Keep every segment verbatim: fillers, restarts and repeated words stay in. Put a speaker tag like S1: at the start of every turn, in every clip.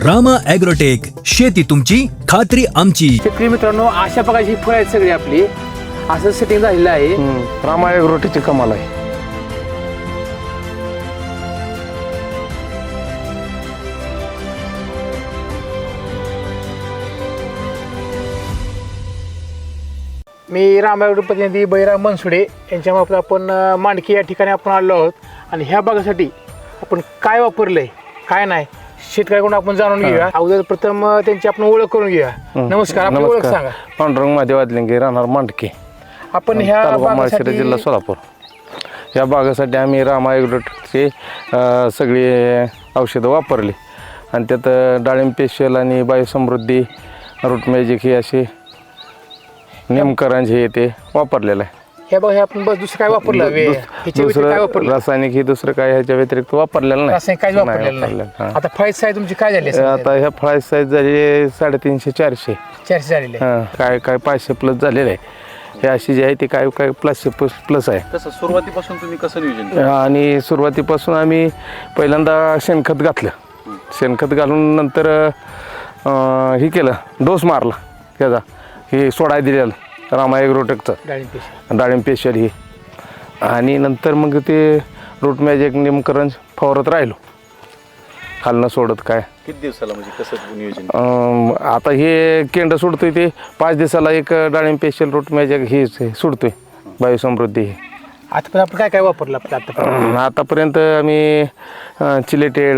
S1: Rama agrotech, शेती तुमची खात्री आमची.
S2: शेतकरी मित्रांनो, अशा प्रकारची फळं आहेत सगळी आपली, असं सेटिंग झालेलं आहे.
S3: रामा ॲग्रोटेकची कमाल आहे.
S2: मी रामायण प्रतिनिधी बैराम मनसुडे यांच्यामार्फत आपण अ, मांडकी या ठिकाणी आपण आलो आहोत आणि ह्या भागासाठी आपण काय वापरलंय काय नाही शेतकऱ्याकडून आपण जाणून घेऊया. अगोदर प्रथम अ, त्यांची आपण ओळख करून घेऊया. नमस्कार, आपली ओळख सांगा.
S3: पांडुरंग महादेव वादलिंगे, राहणार मांडके,
S2: आपण ह्या
S3: तालुका माळशिरस, जिल्हा
S2: भागासाठी
S3: सोलापूर. या भागासाठी आम्ही रामा ॲग्रोटेकचे अ, सगळी औषधं वापरली आणि त्यात अ, डाळिंब स्पेशल आणि बायोसमृद्धी, रूट मॅजिक हे असे नेमकरंज हे ते वापरलेलं आहे.
S2: ह्या बघा आपण बस दुसरं काय वापरलं वे- ह्याच्या व्यतिरिक्त काय
S3: दुसरं
S2: वापरलं?
S3: रासायनिक हे दुसरं काय ह्याच्या व्यतिरिक्त वापरलेलं नाही.
S2: रासायनिक काहीच
S3: नाही
S2: वापरलेलं नाही.
S3: वापरलेलं, हां.
S2: आता फाईज साईज तुमची काय झाली
S3: आता ह्या फळाची साईज झाली साडेतीनशे चारशे.
S2: चारशे झालेली आहे.
S3: हां, काय काय पाचशे प्लस झालेलं आहे. हे अशी जी आहे ती काय काय प्लसशे प्लस प्लस आहे.
S4: कसं सुरुवातीपासून तुम्ही कसं नियोजन केलं?
S3: आणि सुरुवातीपासून आम्ही पहिल्यांदा शेणखत घातलं. शेणखत घालून नंतर अं, हे केलं, डोस मारला त्याचा, हे सोडाय दिलेलं रामा ॲग्रोटेकचं
S2: डाळिंब पेशी.
S3: डाळिंब स्पेशल हे. आणि नंतर मग ते रूट मॅजिक नेमकरंज फवारत राहिलो, खालनं सोडत काय.
S4: किती दिवसाला म्हणजे कसं नियोजन?
S3: अं, आता हे केंड सोडतोय ते पाच दिवसाला एक डाळिंब स्पेशल रूट मॅजिक हे सोडतोय, बायोसमृद्धी हे.
S2: आता आपण काय काय वापरलं आपलं आता?
S3: आतापर्यंत आम्ही चिलेटेड,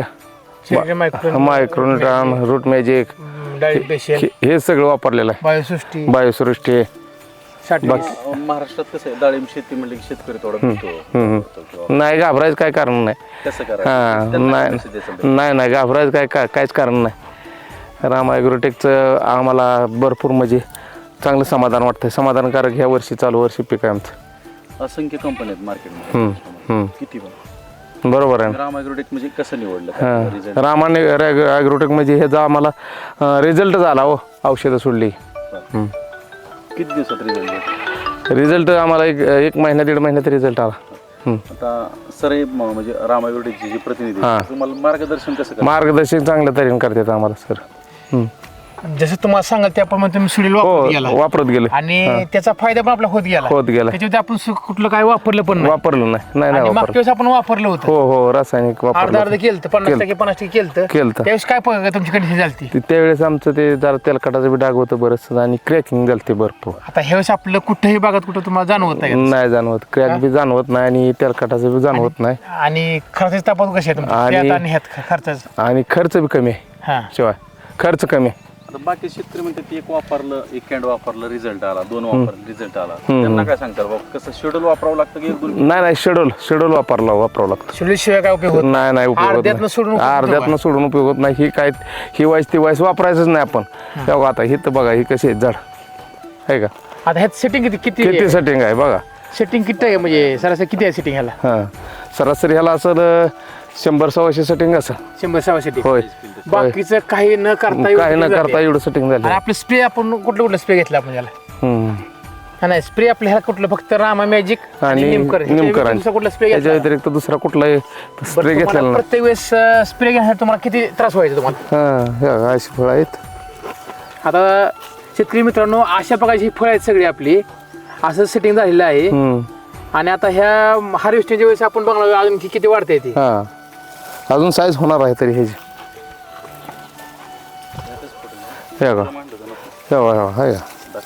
S3: मायक्रोन्यूट्रॉन, रूट मॅजिक
S2: डाळिंब पेशी,
S3: हे सगळं वापरलेलं आहे.
S2: बायोसृष्टी,
S3: बायोसृष्टी.
S2: साठी.
S4: अं, महाराष्ट्रात कसं आहे, डाळिंब शेती म्हणलं की शेतकरी थोडा भितो. किंवा
S3: नाही घाबरायचं काय कारण नाही.
S4: कसं
S3: हां,
S4: करायचं? त्यांना
S3: नाही
S4: कसं द्यायचं?
S3: नाही नाही घाबरायचं काय काय काहीच कारण नाही. रामा ॲग्रोटेकचं आम्हाला भरपूर म्हणजे चांगलं समाधान वाटतं. समाधानकारक ह्या वर्षी चालू वर्षी पीक आहे आमचं.
S4: असंख्य कंपनी आहेत मार्केटमध्ये.
S3: हम्म, हम्म.
S4: किती पण
S3: बरोबर आहे.
S4: राम ॲग्रोटेक म्हणजे कसं निवडलं?
S3: हां,
S4: रिझल्ट
S3: रामाने ॲग्रोटेक म्हणजे ह्याचा आम्हाला रिझल्ट झाला हो, औषधं सोडली. हम्म.
S4: किती दिवसात रिझल्ट?
S3: रिझल्ट आम्हाला एक एक महिना दीड महिन्यात रिझल्ट आला. हम्म.
S4: आता सर हे म- म्हणजे राम ॲग्रोटेकचे जे प्रतिनिधी आहेत,
S3: हां.
S4: तुम्हाला मार्गदर्शन कसं करतात?
S3: मार्गदर्शन चांगल्या तऱ्हेने करतात आम्हाला सर. हम्म.
S2: जसं तुम्हाला सांगाल त्याप्रमाणे तुम्ही सुडील वापरत गेला
S3: हो, वापरत गेले,
S2: आणि त्याचा फायदा पण आपला होत गेला.
S3: होत गेला.
S2: त्याच्यामध्ये आपण सु- कुठलं काय वापरलं पण नाही.
S3: वापरलं नाही नाही
S2: आणि
S3: नाही
S2: मागच्या
S3: वापरलं.
S2: वेळेस आपण वापरलं होतं,
S3: हो हो रासायनिक
S2: अर्धा अर्ध
S3: वापरलं.
S2: केलं पन्नास
S3: केलं.
S2: टक्के पन्नास टक्के केलं
S3: केलतं.
S2: त्यावेळेस काय प- तुमची कंडिशन झाली?
S3: ते- त्यावेळेस आमचं ते जरा तेलकटाचं बी डाग होतं बरंच आणि क्रॅकिंग झालं ते भरपूर.
S2: आता ह्या वेळेस आपलं कुठेही भागात कुठं तुम्हाला जाणवत नाही का?
S3: नाही जाणवत, क्रॅक बी जाणवत नाही आणि तेलकटाचं बी जाणवत नाही.
S2: आणि खर्चाचे तपास कसे आहे तुमचे?
S3: आणि-
S2: त्यात आणि ह्यात खर्चाचं.
S3: आणि खर्च बी कमी आहे.
S2: हा,
S3: शिवाय खर्च कमी आहे.
S4: आता बाकी शेतकरी म्हणतात एक वापरलं, एक कॅन्ड वापरलं, रिझल्ट आला, दोन वापरलं, रिझल्ट आला. त्यांना काय सांगतात बाबा, कसं शेड्यूल वापरावं लागतं की एक दोन?
S3: नाही नाही शेड्यूल शेड्यूल वापरला वापरावं लागतं.
S2: शेड्यूल शिवाय काय उपयोग होत नाही.
S3: नाही नाही उपयोग होत
S2: अर्ध्यातनं सोडून
S3: नाही.
S2: उपयोग होतो
S3: अर्ध्यातनं सोडून उपयोग होत नाही. ही काय ही वाईस ती वाईस वापरायचंच नाही आपण. तेव्हा आता हे तर बघा ही कशी आहे झाड आहे का,
S2: आता ह्यात सेटिंग किती
S3: किती
S2: किती
S3: सेटिंग आहे बघा.
S2: सेटिंग किती आहे म्हणजे सरासरी किती आहे सेटिंग ह्याला?
S3: हां, सरासरी ह्याला असं शंभर सव्वाशे सेटिंग असं.
S2: शंभर सहा सेटिंग.
S3: होय,
S2: बाकीचं काही न करता एवढं
S3: काही न
S2: setting झाली.
S3: करता एवढं सेटिंग झालं.
S2: आणि आपलं स्प्रे आपण कुठलं कुठलं स्प्रे घेतला आपण याला?
S3: हम्म.
S2: हा, नाही स्प्रे आपल्या ह्याला कुठलं फक्त रामा मॅजिक आणि
S3: आणि
S2: निमकरंज. ह्याच्या
S3: निमकरंज.
S2: व्यतिरिक्त कुठला स्प्रे
S3: त्याच्या
S2: घेतला?
S3: व्यतिरिक्त दुसरा कुठलाही
S2: बरं,
S3: स्प्रे
S2: तुम्हाला
S3: घेतलेला नाही.
S2: प्रत्येक वेळेस स्प्रे घेण्यासाठी तुम्हाला किती त्रास व्हायचा तुम्हाला?
S3: हां, अशी फळं आहेत.
S2: आता शेतकरी मित्रांनो, अशा प्रकारची फळं आहेत सगळी आपली, असं सेटिंग झालेलं आहे.
S3: हम्म.
S2: आणि आता ह्या हार्वेस्टिंगच्या वेळेस आपण बघणार अजून की किती वाढते ती.
S3: हां, अजून साईज होणार आहे तरी ह्याची. हे बघा, हे बघा, हे बघा.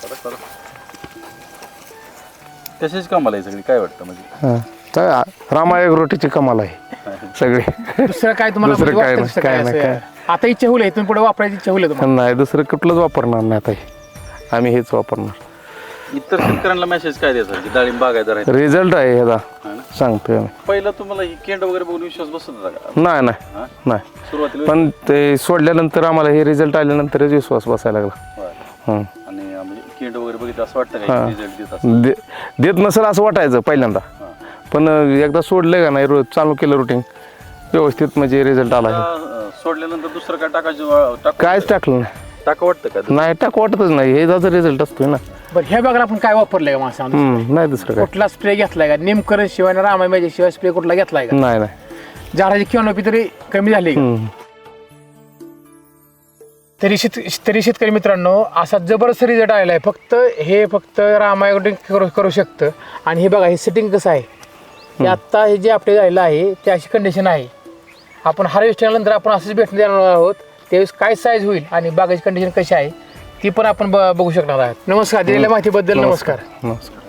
S4: तसेच कामाला आहे सगळी, काय वाटतं म्हणजे?
S3: हां, तर रामा ॲग्रोटेकची कमाल आहे सगळी.
S2: दुसरं काय तुम्हाला
S3: दुसरं
S2: म्हणजे
S3: काय
S2: वाटतं
S3: नाही,
S2: दुसरं
S3: काय
S2: काय
S3: नाही,
S2: असं?
S3: काय.
S2: आता इच्छा होईल इथून पुढे वापरायची इच्छा होईल तुम्हाला?
S3: नाही दुसरं कुठलंच वापरणार नाही आता हे. आम्ही हेच वापरणार.
S4: इतर शेतकऱ्यांना मेसेज काय द्यायचा की डाळिंब बागायदार आहे?
S3: रिझल्ट आहे ह्याचा,
S4: हा ना?
S3: सांगतोय आम्ही.
S4: पहिलं तुम्हाला ही केंड वगैरे बघून विश्वास बसत होता का?
S3: नाही नाही
S4: हा?
S3: नाही,
S4: सुरुवातीला
S3: पण ते सोडल्यानंतर आम्हाला हे रिझल्ट आल्यानंतरच विश्वास बसायला लागला.
S4: बरं.
S3: हं.
S4: आणि अं, म्हणजे केंड वगैरे बघितलं असं वाटतं का
S3: हां.
S4: रिझल्ट देत असं?
S3: दे देत नसेल असं वाटायचं पहिल्यांदा, पण एकदा सोडलं का नाही, रोज चालू केलं रुटीन व्यवस्थित म्हणजे रिझल्ट आला.
S4: आता, अं, सोडल्यानंतर दुसरं काय टाकायचं? टाक
S3: कायच टाकलं नाही.
S4: टाका वाटतं का?
S3: नाही टाक वाटतच नाही, हे त्याचा रिझल्ट असतोय ना.
S2: बरं, ह्या भागाला आपण काय वापरलंय का मासा?
S3: हम्म, नाही दुसरं काय.
S2: कुठला स्प्रे घेतलाय का? निमकरंज शिवाय आणि रामा मॅजिक शिवाय स्प्रे कुठला घेतलाय का?
S3: नाही नाही.
S2: झाडाची कॅनोपी तरी कमी झाली का?
S3: हम्म.
S2: तरी शेत तरी शेतकरी मित्रांनो असा जबरदस्त रिझल्ट आलेला आहे. फक्त हे फक्त रामायण करू करू शकतं. आणि हे बघा हे सेटिंग कसं आहे, हे आत्ता हे जे आपले झालेलं आहे ते अशी कंडिशन आहे. आपण हार्वेस्टिंगनंतर आपण असंच भेटून देणार आहोत, त्यावेळेस काय साईज होईल आणि बागाची कंडिशन कशी आहे ती पण आपण ब बघू शकणार आहात. नमस्कार, दिलेल्या माहितीबद्दल नमस्कार.
S3: नमस्कार.